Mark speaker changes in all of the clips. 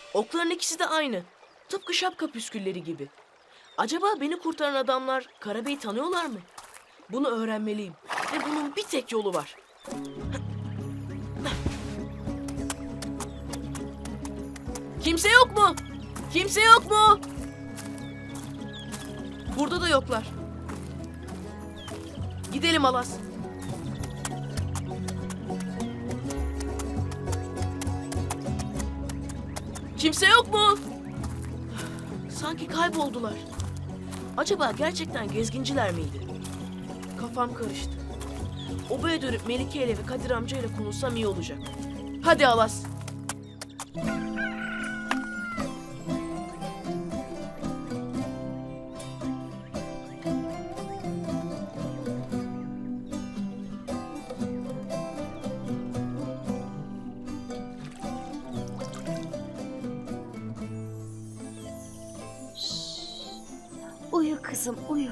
Speaker 1: Okların ikisi de aynı. Tıpkı şapka püskülleri gibi. Acaba beni kurtaran adamlar Karabey'i tanıyorlar mı? Bunu öğrenmeliyim. Ve bunun bir tek yolu var. Kimse yok mu? Kimse yok mu? Burada da yoklar. Gidelim Alas. Kimse yok mu? Sanki kayboldular. Acaba gerçekten gezginciler miydi? Kafam karıştı. Obaya dönüp Melike ile ve Kadir amca ile konuşsam iyi olacak. Hadi Alas.
Speaker 2: Uyu kızım, uyu.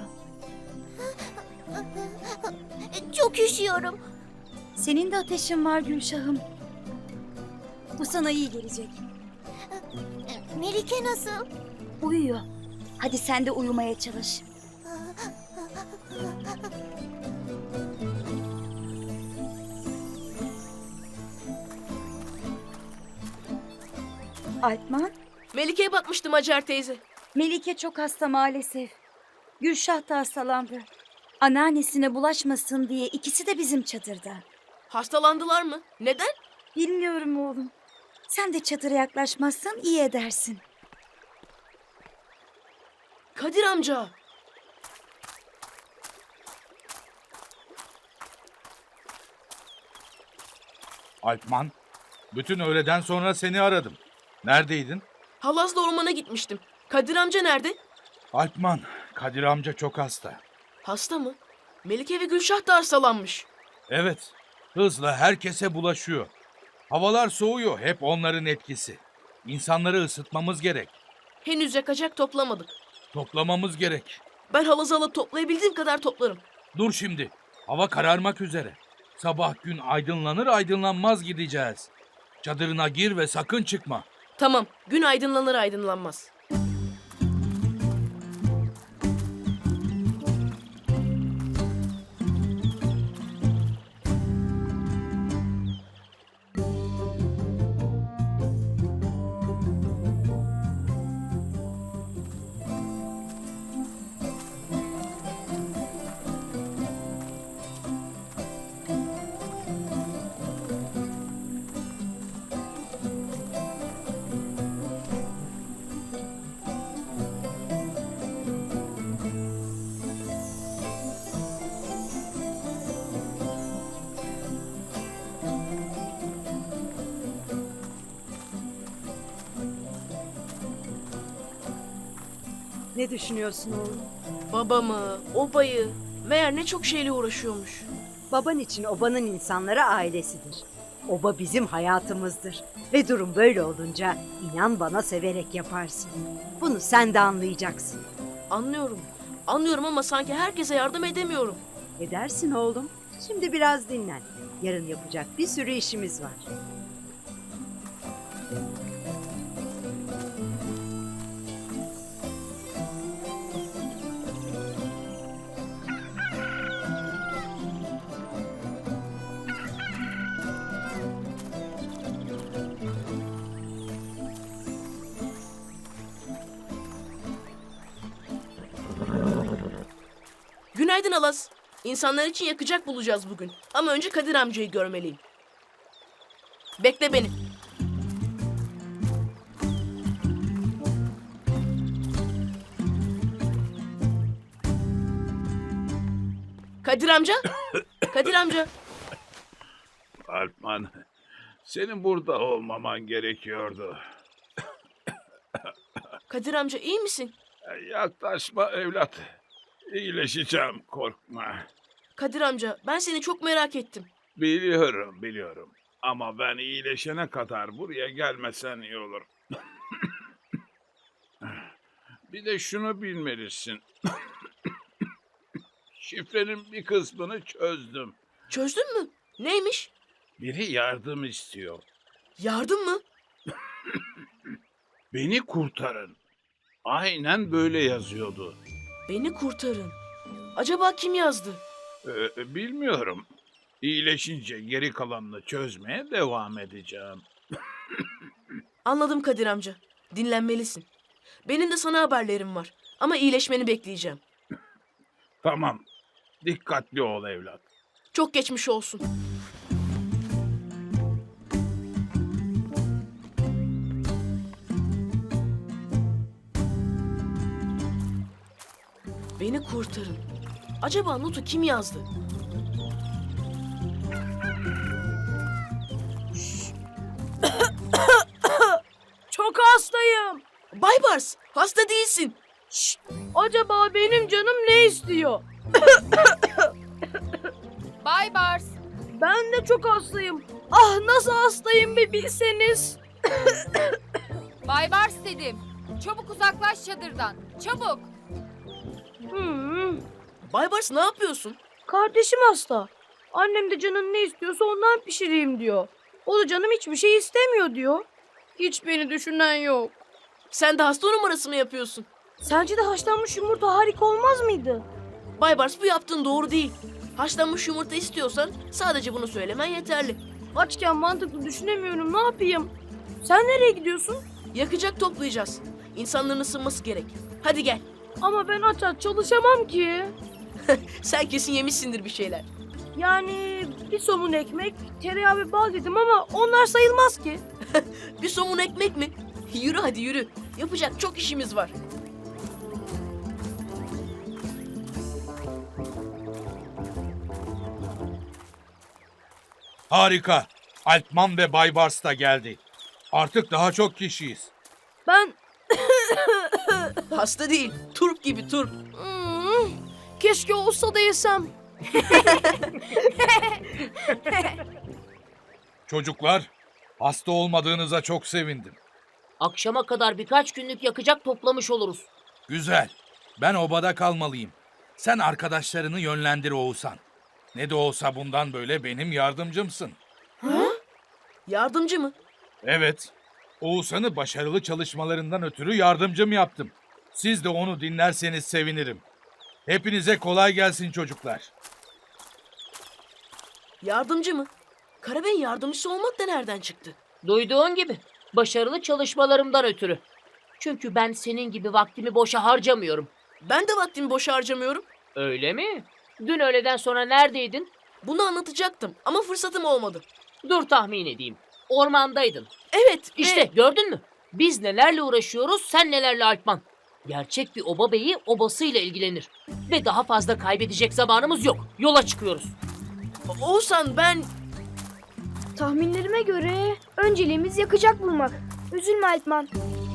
Speaker 3: Çok üşüyorum.
Speaker 2: Senin de ateşin var Gülşah'ım. Bu sana iyi gelecek.
Speaker 3: Melike nasıl?
Speaker 2: Uyuyor. Hadi sen de uyumaya çalış. Alpman,
Speaker 1: Melike'ye bakmıştım Hacer teyze.
Speaker 2: Melike çok hasta maalesef. Gülşah da hastalandı. Anneannesine bulaşmasın diye ikisi de bizim çadırda.
Speaker 1: Hastalandılar mı? Neden?
Speaker 2: Bilmiyorum oğlum. Sen de çadıra yaklaşmazsan iyi edersin.
Speaker 1: Kadir amca.
Speaker 4: Alpman, bütün öğleden sonra seni aradım. Neredeydin?
Speaker 1: Halaz'la ormana gitmiştim. Kadir amca nerede?
Speaker 4: Alpman, Kadir amca çok hasta.
Speaker 1: Hasta mı? Melike ve Gülşah da hastalanmış.
Speaker 4: Evet, hızla herkese bulaşıyor. Havalar soğuyor, hep onların etkisi. İnsanları ısıtmamız gerek.
Speaker 1: Henüz yakacak toplamadık.
Speaker 4: Toplamamız gerek.
Speaker 1: Ben halazı alıp toplayabildiğim kadar toplarım.
Speaker 4: Dur şimdi, hava kararmak üzere. Sabah gün aydınlanır aydınlanmaz gideceğiz. Çadırına gir ve sakın çıkma.
Speaker 1: Tamam, gün aydınlanır aydınlanmaz.
Speaker 5: Ne düşünüyorsun oğlum?
Speaker 1: Babamı, obayı, meğer ne çok şeyle uğraşıyormuş.
Speaker 5: Baban için obanın insanları ailesidir. Oba bizim hayatımızdır. Ve durum böyle olunca inan bana severek yaparsın. Bunu sen de anlayacaksın.
Speaker 1: Anlıyorum. Anlıyorum ama sanki herkese yardım edemiyorum.
Speaker 5: Edersin oğlum. Şimdi biraz dinlen. Yarın yapacak bir sürü işimiz var.
Speaker 1: Günaydın Alaz. İnsanlar için yakacak bulacağız bugün. Ama önce Kadir amcayı görmeliyim. Bekle beni. Kadir amca? Kadir amca.
Speaker 6: Alpman, senin burada olmaman gerekiyordu.
Speaker 1: Kadir amca iyi misin?
Speaker 6: Yaklaşma evlat. İyileşeceğim, korkma.
Speaker 1: Kadir amca ben seni çok merak ettim.
Speaker 6: Biliyorum. Ama ben iyileşene kadar buraya gelmesen iyi olur. Bir de şunu bilmelisin. Şifrenin bir kısmını çözdüm.
Speaker 1: Çözdün mü? Neymiş?
Speaker 6: Biri yardım istiyor.
Speaker 1: Yardım mı?
Speaker 6: Beni kurtarın. Aynen böyle yazıyordu.
Speaker 1: Beni kurtarın. Acaba kim yazdı?
Speaker 6: Bilmiyorum. İyileşince geri kalanını çözmeye devam edeceğim.
Speaker 1: Anladım Kadir amca. Dinlenmelisin. Benim de sana haberlerim var. Ama iyileşmeni bekleyeceğim.
Speaker 6: Tamam. Dikkatli ol evlat.
Speaker 1: Çok geçmiş olsun. Beni kurtarın. Acaba notu kim yazdı?
Speaker 7: Çok hastayım.
Speaker 1: Baybars, hasta değilsin.
Speaker 7: Acaba benim canım ne istiyor?
Speaker 8: Bay Bars.
Speaker 7: Ben de çok hastayım. Ah nasıl hastayım bir bilseniz.
Speaker 8: Bay Bars dedim. Çabuk uzaklaş çadırdan. Çabuk.
Speaker 7: Hmm,
Speaker 1: Baybars ne yapıyorsun?
Speaker 7: kardeşim hasta. Annem de canın ne istiyorsa ondan pişireyim diyor. O da canım hiçbir şey istemiyor diyor. Hiç beni düşünen yok.
Speaker 1: Sen de hasta numarası mı yapıyorsun?
Speaker 7: Sence de haşlanmış yumurta harika olmaz mıydı?
Speaker 1: Baybars bu yaptığın doğru değil. Haşlanmış yumurta istiyorsan sadece bunu söylemen yeterli.
Speaker 7: Açken mantıklı düşünemiyorum, ne yapayım? Sen nereye gidiyorsun?
Speaker 1: Yakacak toplayacağız. İnsanların ısınması gerek. Hadi gel.
Speaker 7: Ama ben aç aç çalışamam ki.
Speaker 1: Sen kesin yemişsindir bir şeyler.
Speaker 7: Yani bir somun ekmek, tereyağı ve bal dedim ama onlar sayılmaz ki.
Speaker 1: Bir somun ekmek mi? Yürü hadi yürü. Yapacak çok işimiz var.
Speaker 4: Harika. Alpman ve Baybars da geldi. Artık daha çok kişiyiz.
Speaker 7: Ben
Speaker 1: Hasta değil. Turp gibi turp.
Speaker 7: keşke olsa da yesem.
Speaker 4: Çocuklar, hasta olmadığınıza çok sevindim.
Speaker 9: Akşama kadar birkaç günlük yakacak toplamış oluruz.
Speaker 4: Güzel. Ben obada kalmalıyım. Sen arkadaşlarını yönlendir Oğuzhan. Ne de olsa bundan böyle benim yardımcımsın.
Speaker 1: Yardımcı mı?
Speaker 4: Evet. Oğuzhan'ı başarılı çalışmalarından ötürü yardımcım yaptım. Siz de onu dinlerseniz sevinirim. Hepinize kolay gelsin çocuklar.
Speaker 1: Yardımcı mı? Karabey'in yardımcısı olmak da nereden çıktı?
Speaker 9: Duyduğun gibi başarılı çalışmalarımdan ötürü. Çünkü ben senin gibi vaktimi boşa harcamıyorum.
Speaker 1: Ben de vaktimi boşa harcamıyorum.
Speaker 9: Öyle mi? Dün öğleden sonra neredeydin?
Speaker 1: Bunu anlatacaktım ama fırsatım olmadı.
Speaker 9: Dur tahmin edeyim. Ormandaydın.
Speaker 1: Evet
Speaker 9: İşte
Speaker 1: ve...
Speaker 9: gördün mü? Biz nelerle uğraşıyoruz, sen nelerle Alpman. Gerçek bir oba beyi obasıyla ilgilenir. Ve daha fazla kaybedecek zamanımız yok. Yola çıkıyoruz.
Speaker 1: Oğuzhan ben...
Speaker 10: Tahminlerime göre önceliğimiz yakacak bulmak. Üzülme Altman.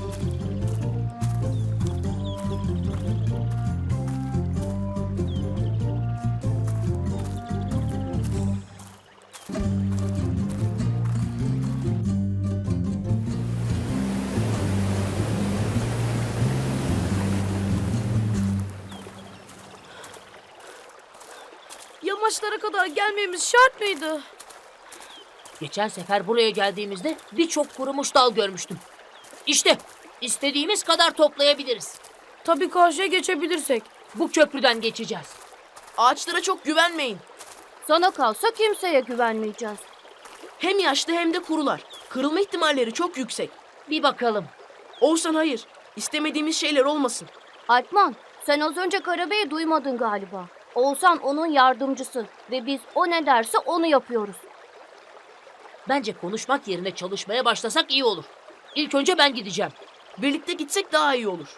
Speaker 7: Yamaçlara kadar gelmemiz şart mıydı?
Speaker 9: Geçen sefer buraya geldiğimizde birçok kurumuş dal görmüştüm. İşte istediğimiz kadar toplayabiliriz.
Speaker 7: Tabii karşıya geçebilirsek.
Speaker 9: Bu köprüden geçeceğiz.
Speaker 1: Ağaçlara çok güvenmeyin.
Speaker 10: Sana kalsa kimseye güvenmeyeceğiz.
Speaker 1: Hem yaşlı hem de kurular. Kırılma ihtimalleri çok yüksek.
Speaker 9: Bir bakalım.
Speaker 1: Oğuzhan hayır. İstemediğimiz şeyler olmasın.
Speaker 10: Altman, sen az önce Karabey'i duymadın galiba. Oğuzhan onun yardımcısı ve biz o ne derse onu yapıyoruz.
Speaker 9: Bence konuşmak yerine çalışmaya başlasak iyi olur. İlk önce ben gideceğim.
Speaker 1: Birlikte gitsek daha iyi olur.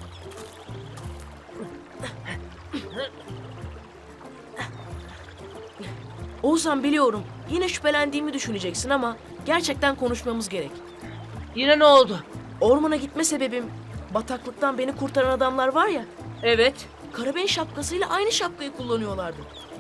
Speaker 1: Oğuzhan biliyorum. Yine şüphelendiğimi düşüneceksin ama gerçekten konuşmamız gerek.
Speaker 9: Yine ne oldu?
Speaker 1: Ormana gitme sebebim bataklıktan beni kurtaran adamlar var ya.
Speaker 9: Evet.
Speaker 1: Karabey şapkasıyla aynı şapkayı kullanıyorlardı.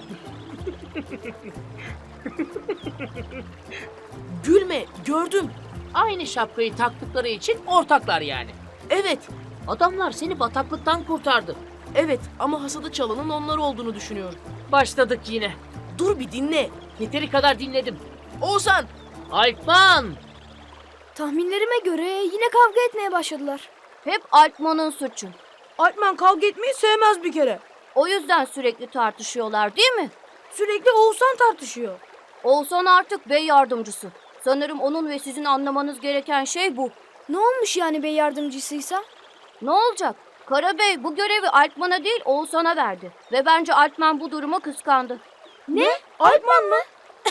Speaker 1: Gülme, gördüm.
Speaker 9: Aynı şapkayı taktıkları için ortaklar yani.
Speaker 1: Evet,
Speaker 9: Adamlar seni bataklıktan kurtardı.
Speaker 1: evet ama hasadı çalanın onlar olduğunu düşünüyorum.
Speaker 9: Başladık yine.
Speaker 1: Dur bir dinle.
Speaker 9: Yeteri kadar dinledim.
Speaker 1: Oğuzhan,
Speaker 9: Alpman!
Speaker 7: Tahminlerime göre yine kavga etmeye başladılar.
Speaker 10: Hep Alpman'ın suçu.
Speaker 7: Alpman kavga etmeyi sevmez bir kere.
Speaker 10: O yüzden sürekli tartışıyorlar değil mi?
Speaker 7: Sürekli Oğuzhan tartışıyor.
Speaker 10: Oğuzhan artık bey yardımcısı. Sanırım onun ve sizin anlamanız gereken şey bu.
Speaker 7: Ne olmuş yani bey yardımcısıysa?
Speaker 10: Ne olacak? Karabey bu görevi Alpman'a değil Oğuzhan'a verdi. Ve bence Alpman bu durumu kıskandı.
Speaker 7: Ne? Alpman mı?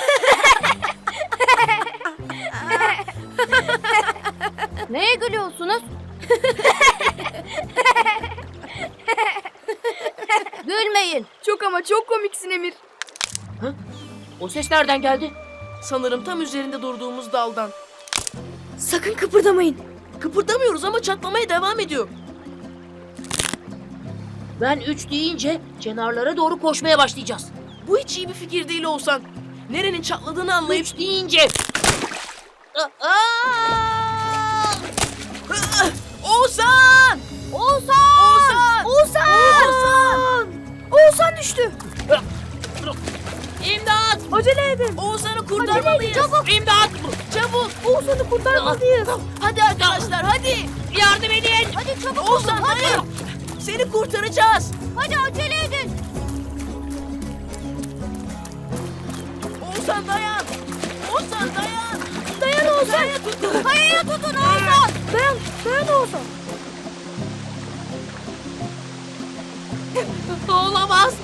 Speaker 10: Neye gülüyorsunuz? Gülmeyin.
Speaker 7: Çok ama çok komiksin Emir.
Speaker 9: O ses nereden geldi?
Speaker 1: Sanırım tam üzerinde durduğumuz daldan.
Speaker 7: Sakın kıpırdamayın.
Speaker 1: Kıpırdamıyoruz ama çatlamaya devam ediyor.
Speaker 9: Ben 3 deyince kenarlara doğru koşmaya başlayacağız.
Speaker 1: Bu hiç iyi bir fikir değil Oğuzhan. Nerenin çatladığını anlayıp...
Speaker 9: 3 deyince.
Speaker 1: Oğuzhan!
Speaker 10: Oğuzhan!
Speaker 1: Oğuzhan!
Speaker 7: Oğuzhan düştü.
Speaker 9: İmdat!
Speaker 7: Acele edin.
Speaker 1: Oğuzhan'ı kurtarmalıyız.
Speaker 9: İmdat!
Speaker 1: Çabuk!
Speaker 7: Oğuzhan'ı kurtarmalıyız.
Speaker 1: Hadi arkadaşlar hadi!
Speaker 10: Yardım edin. Hadi çabuk
Speaker 1: Oğuzhan
Speaker 10: olun.
Speaker 1: dayan! Seni kurtaracağız!
Speaker 10: Hadi acele edin.
Speaker 1: Oğuzhan dayan! Oğuzhan dayan!
Speaker 7: Dayan Oğuzhan.
Speaker 1: Kayaya tutun!
Speaker 10: Kayaya tutun Oğuzhan.
Speaker 7: Dayan. Dayan Oğuzhan.
Speaker 1: Olamaz!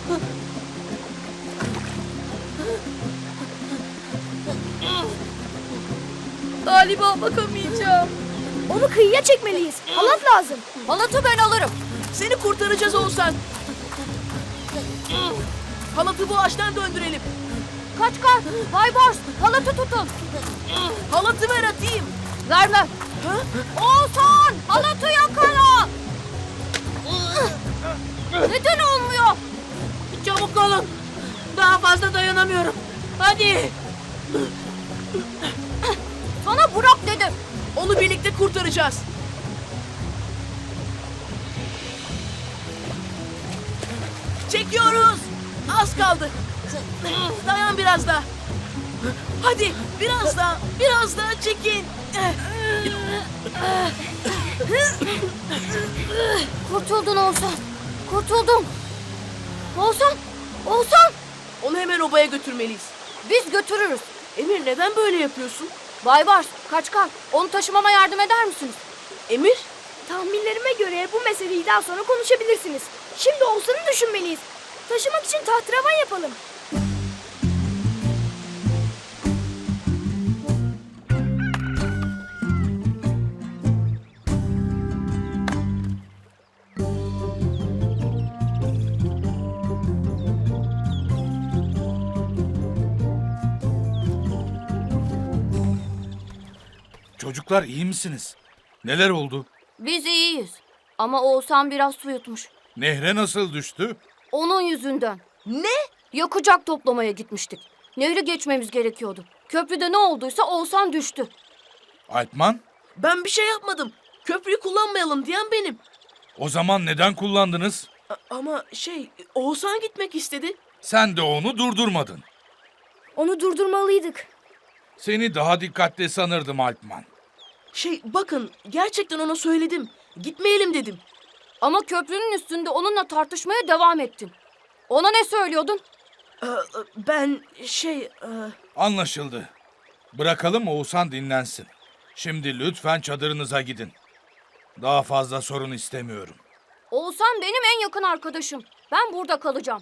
Speaker 7: Galiba bakamayacağım. Onu kıyıya çekmeliyiz. Halat lazım.
Speaker 10: Halatı ben alırım.
Speaker 1: Seni kurtaracağız Oğuzhan! Halatı bu ağaçtan döndürelim.
Speaker 10: Kaç. Baybars halatı tutun.
Speaker 1: Halatı ver atayım.
Speaker 10: Verme. Oğuzhan halatı yakala. Neden olmuyor?
Speaker 9: Çabuk olun. Daha fazla dayanamıyorum. Hadi.
Speaker 10: Sana bırak dedim.
Speaker 1: Onu birlikte kurtaracağız. Çekiyoruz. Az kaldı. Dayan biraz daha. Hadi biraz daha. Biraz daha çekin.
Speaker 10: Kurtuldun Oğuzhan. Kurtuldum. Oğuzhan.
Speaker 1: Onu hemen obaya götürmeliyiz.
Speaker 10: Biz götürürüz.
Speaker 1: Emir neden böyle yapıyorsun?
Speaker 10: Baybars Kaçkar onu taşımama yardım eder misiniz?
Speaker 1: Emir?
Speaker 7: Tahminlerime göre bu meseleyi daha sonra konuşabilirsiniz. Şimdi Oğuzhan'ı düşünmeliyiz. Taşımak için tahterevan yapalım.
Speaker 4: Çocuklar iyi misiniz? Neler oldu?
Speaker 10: Biz iyiyiz. Ama Oğuzhan biraz su yutmuş.
Speaker 4: Nehre nasıl düştü?
Speaker 10: Onun yüzünden.
Speaker 1: Ne?
Speaker 10: Yakacak toplamaya gitmiştik. Nehri geçmemiz gerekiyordu. Köprüde ne olduysa Oğuzhan düştü.
Speaker 4: Alpman?
Speaker 1: Ben bir şey yapmadım. Köprüyü kullanmayalım diyen benim.
Speaker 4: O zaman neden kullandınız?
Speaker 1: Ama Oğuzhan gitmek istedi.
Speaker 4: Sen de onu durdurmadın.
Speaker 7: Onu durdurmalıydık.
Speaker 4: Seni daha dikkatli sanırdım Alpman.
Speaker 1: Bakın gerçekten ona söyledim. Gitmeyelim dedim.
Speaker 10: Ama köprünün üstünde onunla tartışmaya devam ettin. Ona ne söylüyordun?
Speaker 1: Ben
Speaker 4: Anlaşıldı. Bırakalım Oğuzhan dinlensin. Şimdi lütfen çadırınıza gidin. Daha fazla sorun istemiyorum.
Speaker 10: Oğuzhan benim en yakın arkadaşım. Ben burada kalacağım.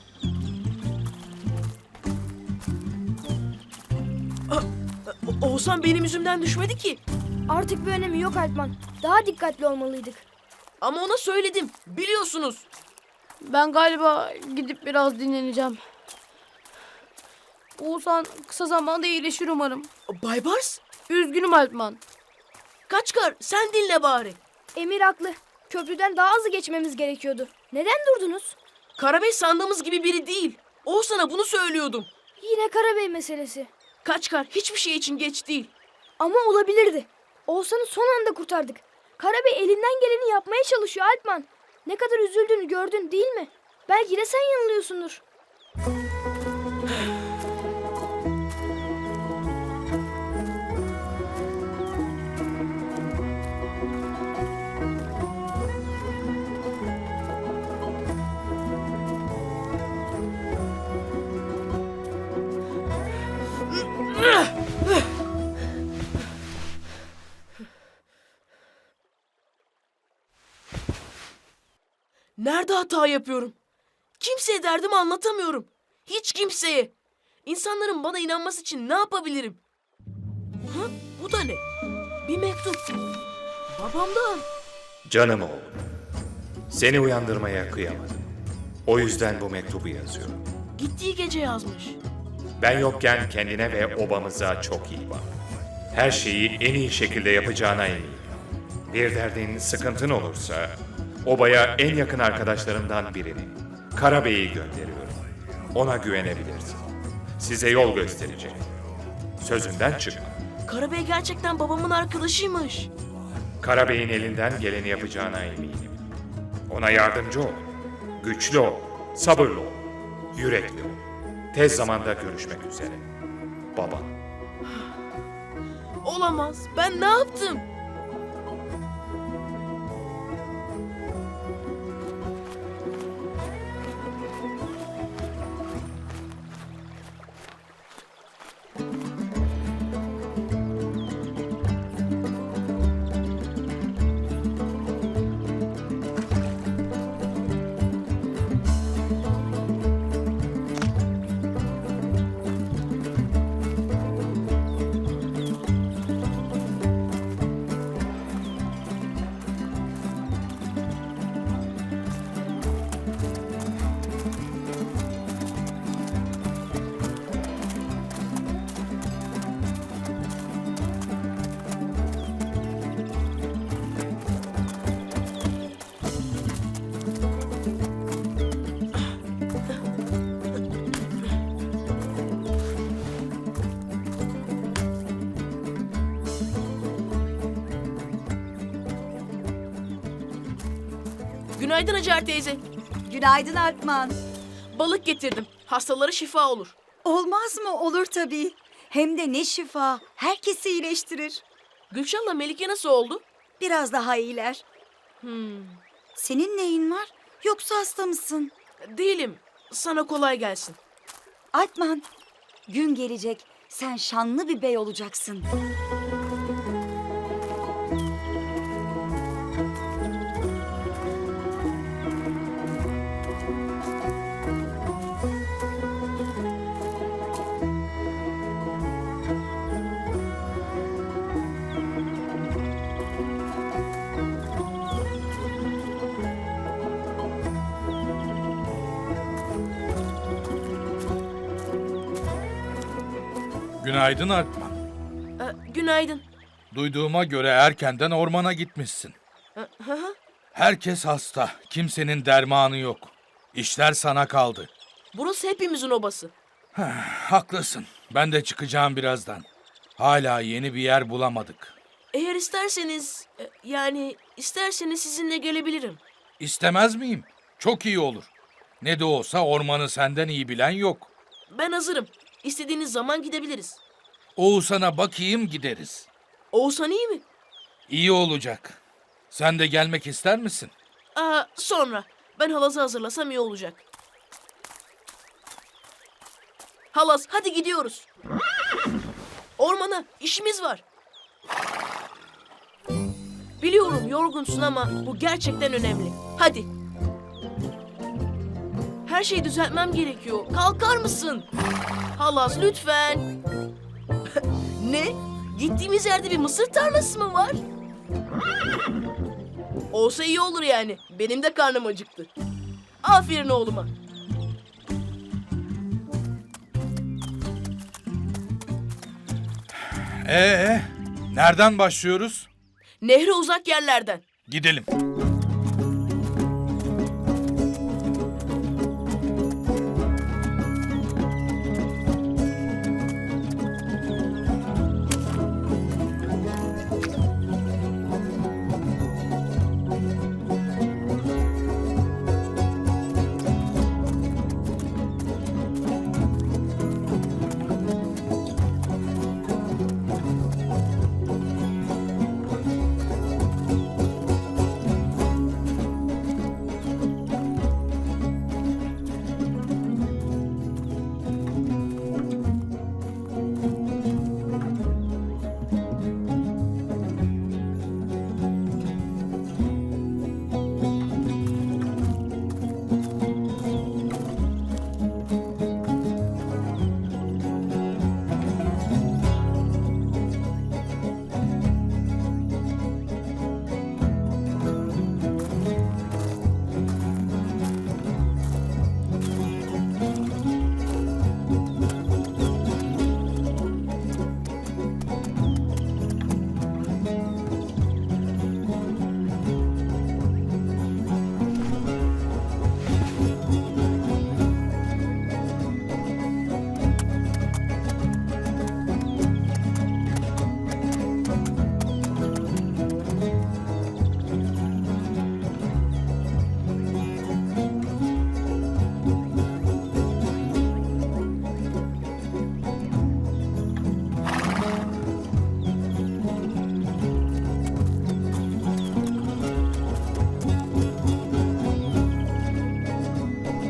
Speaker 1: Oğuzhan benim yüzümden düşmedi ki.
Speaker 7: Artık bir önemi yok Alpman. Daha dikkatli olmalıydık.
Speaker 1: Ama ona söyledim. Biliyorsunuz.
Speaker 7: Ben galiba gidip biraz dinleneceğim. Oğuzhan kısa zamanda iyileşir umarım.
Speaker 1: Baybars?
Speaker 7: Üzgünüm Alpman.
Speaker 1: Kaçkar sen dinle bari.
Speaker 7: Emir haklı. Köprüden daha hızlı geçmemiz gerekiyordu. Neden durdunuz?
Speaker 1: Karabey sandığımız gibi biri değil. Oğuzhan'a bunu söylüyordum.
Speaker 7: Yine Karabey meselesi.
Speaker 1: Kaçkar hiçbir şey için geç değil.
Speaker 7: Ama olabilirdi. Oğuzhan'ı son anda kurtardık. Karabey elinden geleni yapmaya çalışıyor Alpman. Ne kadar üzüldüğünü gördün değil mi? Belki de sen yanılıyorsundur.
Speaker 1: Nerede hata yapıyorum? Kimseye derdimi anlatamıyorum. Hiç kimseye. İnsanların bana inanması için ne yapabilirim? Hı? Bu da ne? Bir mektup. Babamdan.
Speaker 11: Canım oğlum, seni uyandırmaya kıyamadım. O yüzden bu mektubu yazıyorum.
Speaker 1: Gittiği gece yazmış.
Speaker 11: Ben yokken kendine ve obamıza çok iyi bak. Her şeyi en iyi şekilde yapacağına eminim. Bir derdin, sıkıntın olursa, obaya en yakın arkadaşlarımdan birini, Karabey'i gönderiyorum. Ona güvenebilirsin. Size yol gösterecek. Sözünden çıkma.
Speaker 1: Karabey gerçekten babamın arkadaşıymış.
Speaker 11: Karabey'in elinden geleni yapacağına eminim. Ona yardımcı ol. Güçlü ol. Sabırlı ol. Yürekli ol. Tez zamanda görüşmek üzere. Baba.
Speaker 1: Olamaz. Ben ne yaptım? Günaydın Hacer teyze.
Speaker 2: Günaydın Alpman.
Speaker 1: Balık getirdim. Hastalara şifa olur.
Speaker 2: Olmaz mı? Olur tabii. Hem de ne şifa. Herkesi iyileştirir.
Speaker 1: Gülşah'la Melike nasıl oldu?
Speaker 2: Biraz daha iyiler. Senin neyin var? Yoksa hasta mısın?
Speaker 1: Değilim. Sana kolay gelsin.
Speaker 2: Alpman, gün gelecek. Sen şanlı bir bey olacaksın.
Speaker 4: Günaydın Alpman.
Speaker 1: Günaydın.
Speaker 4: Duyduğuma göre erkenden ormana gitmişsin.
Speaker 1: Hı hı.
Speaker 4: Herkes hasta. Kimsenin dermanı yok. İşler sana kaldı.
Speaker 1: Burası hepimizin obası.
Speaker 4: Haklısın. Ben de çıkacağım birazdan. Hala yeni bir yer bulamadık.
Speaker 1: Eğer isterseniz, yani isterseniz sizinle gelebilirim.
Speaker 4: İstemez miyim? Çok iyi olur. Ne de olsa ormanı senden iyi bilen yok.
Speaker 1: Ben hazırım. İstediğiniz zaman gidebiliriz.
Speaker 4: Oğuzhan'a bakayım gideriz.
Speaker 1: Oğuzhan iyi mi?
Speaker 4: İyi olacak. Sen de gelmek ister misin?
Speaker 1: Sonra. Ben halazı hazırlasam iyi olacak. Halaz, hadi gidiyoruz. Ormana, işimiz var. Biliyorum yorgunsun ama bu gerçekten önemli. Hadi. Her şeyi düzeltmem gerekiyor. Kalkar mısın? Halaz lütfen. Ne? Gittiğimiz yerde bir mısır tarlası mı var? Olsa iyi olur yani. Benim de karnım acıktı. Aferin oğluma.
Speaker 4: Nereden başlıyoruz?
Speaker 1: Nehre uzak yerlerden.
Speaker 4: Gidelim.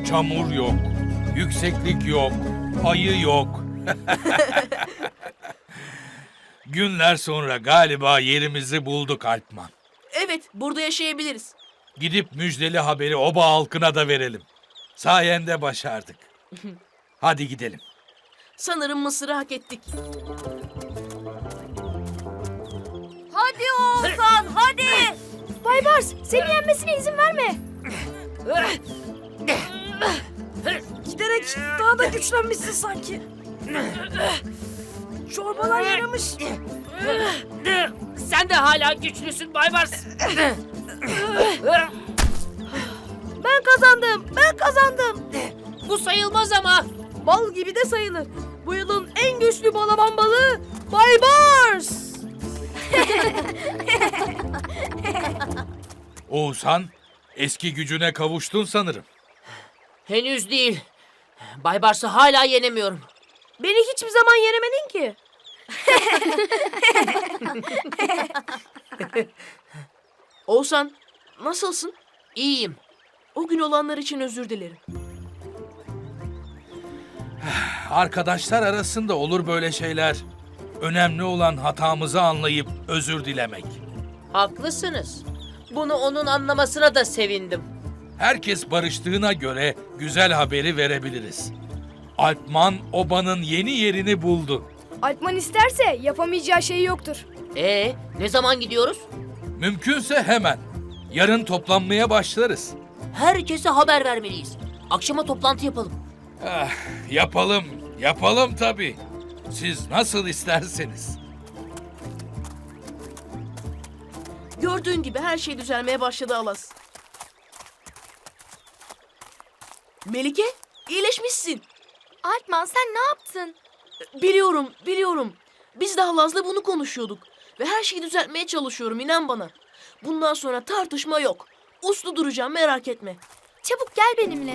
Speaker 4: Çamur yok, yükseklik yok, ayı yok. Günler sonra galiba yerimizi bulduk Alpman.
Speaker 1: Evet, burada yaşayabiliriz.
Speaker 4: Gidip müjdeli haberi oba halkına da verelim. Sayende başardık. Hadi gidelim.
Speaker 1: Sanırım Mısır'ı hak ettik.
Speaker 2: Hadi Oğuzhan hadi.
Speaker 7: Baybars, seni yenmesine izin verme.
Speaker 2: Giderek daha da güçlenmişsin sanki. Çorbalar yaramış.
Speaker 9: Sen de hala güçlüsün Baybars.
Speaker 7: Ben kazandım, ben kazandım.
Speaker 9: Bu sayılmaz ama.
Speaker 7: Bal gibi de sayılır. Bu yılın en güçlü balaban balığı Baybars.
Speaker 4: Oğuzhan, eski gücüne kavuştun sanırım.
Speaker 9: Henüz değil. Baybars'ı hala yenemiyorum.
Speaker 7: Beni hiçbir zaman yenemedin ki.
Speaker 1: Oğuzhan, nasılsın?
Speaker 9: İyiyim.
Speaker 1: O gün olanlar için özür dilerim.
Speaker 4: Arkadaşlar arasında olur böyle şeyler. Önemli olan hatamızı anlayıp özür dilemek.
Speaker 9: Haklısınız. Bunu onun anlamasına da sevindim.
Speaker 4: Herkes barıştığına göre güzel haberi verebiliriz. Alpman obanın yeni yerini buldu.
Speaker 7: Alpman isterse yapamayacağı şey yoktur.
Speaker 9: Ne zaman gidiyoruz?
Speaker 4: Mümkünse hemen. Yarın toplanmaya başlarız.
Speaker 9: Herkese haber vermeliyiz. Akşama toplantı yapalım.
Speaker 4: Yapalım tabii. Siz nasıl isterseniz.
Speaker 1: Gördüğün gibi her şey düzelmeye başladı Alas. Melike, iyileşmişsin.
Speaker 7: Alpman sen ne yaptın?
Speaker 1: Biliyorum. Biz de Halaz'la bunu konuşuyorduk. Ve her şeyi düzeltmeye çalışıyorum, inan bana. Bundan sonra tartışma yok. Uslu duracağım, merak etme.
Speaker 7: Çabuk gel benimle.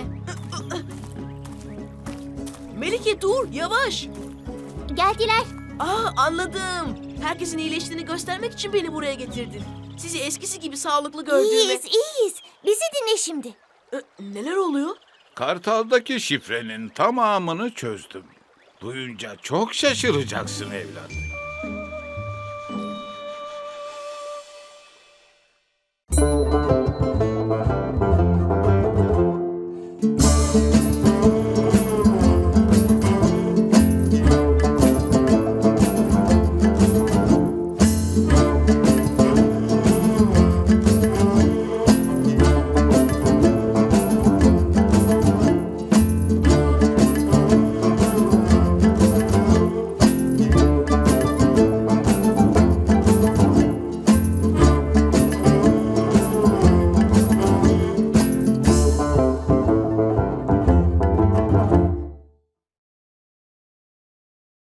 Speaker 1: Melike dur, yavaş.
Speaker 3: Geldiler.
Speaker 1: Anladım. Herkesin iyileştiğini göstermek için beni buraya getirdin. Sizi eskisi gibi sağlıklı gördüğüme...
Speaker 3: İyiyiz. Bizi dinle şimdi.
Speaker 1: Neler oluyor?
Speaker 6: Kartal'daki şifrenin tamamını çözdüm. Duyunca çok şaşıracaksın evlat.